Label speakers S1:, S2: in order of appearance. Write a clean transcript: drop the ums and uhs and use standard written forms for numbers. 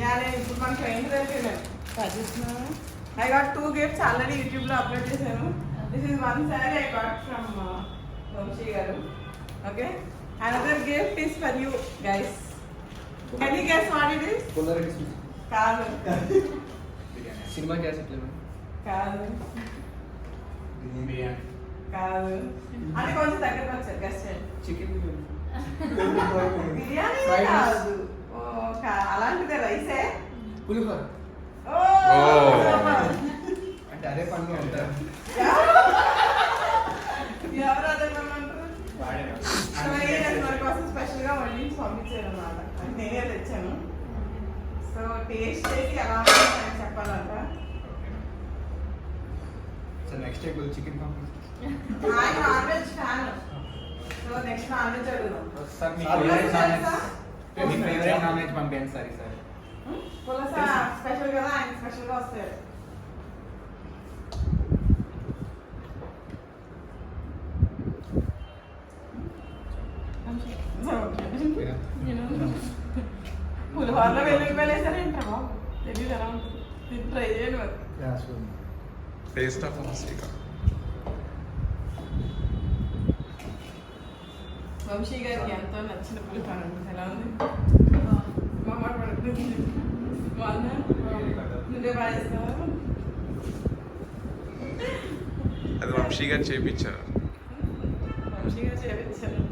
S1: తినాలి ఇప్పుడు మనకి ఏంటి తెలియలేదు I got 2 gifts already YouTube లో అప్లోడ్ చేశాను. This is one saree I got from Vamshi garu. Okay, another gift is for you guys. Can you guess what it is? కాదు
S2: cinema cassette లేదు
S1: కాదు కాదు అది కొంచెం దగ్గరకు వచ్చారు గెస్ట్ చేయండి.
S2: చికెన్
S1: బిర్యానీ కాదు. ఓ అలాంటిదే రైసే.
S2: పులిహోర
S1: ఓ
S2: అంటే అదే పని అంటారు.
S1: ఎవరు అదే పని అంటారు? మన కోసం స్పెషల్ గా వండించి పంపించారు అన్నమాట. నేనే తెచ్చాను. సో టేస్ట్ చేసి ఎలా ఉంటుందని చెప్పాలంట.
S2: సో నెక్స్ట్ డే చికెన్ పంపిస్తాను.
S1: ఆయన non veg fan. So next non veg అడుగుదాం.
S2: సార్ మీ ఫేవరెట్ నాన్ వెజ్ పంపించండి సార్ ఈసారి.
S1: పులస స్పెషల్ కదా, ఆయన స్పెషల్ గా వస్తాయి. పులిహోరలో వెల్లుల్లిపాయలు వేసారేంట్రా బాబు? తెలియదు ఎలా ఉంటుంది. ఇది ట్రై చేయండి మరి.
S3: టేస్ట్ ఆఫ్ వంశీ
S1: వంశీ గారికి ఎంతో నచ్చిన పులిహోర ఉంటుంది. ఎలా ఉంది? మా మాట పడుతుంది. బాగుందా? నువ్వే బాగా చేస్తావా?
S3: అది వంశీ గారు చేయించారు.
S1: వంశీ గారు చేయించారు.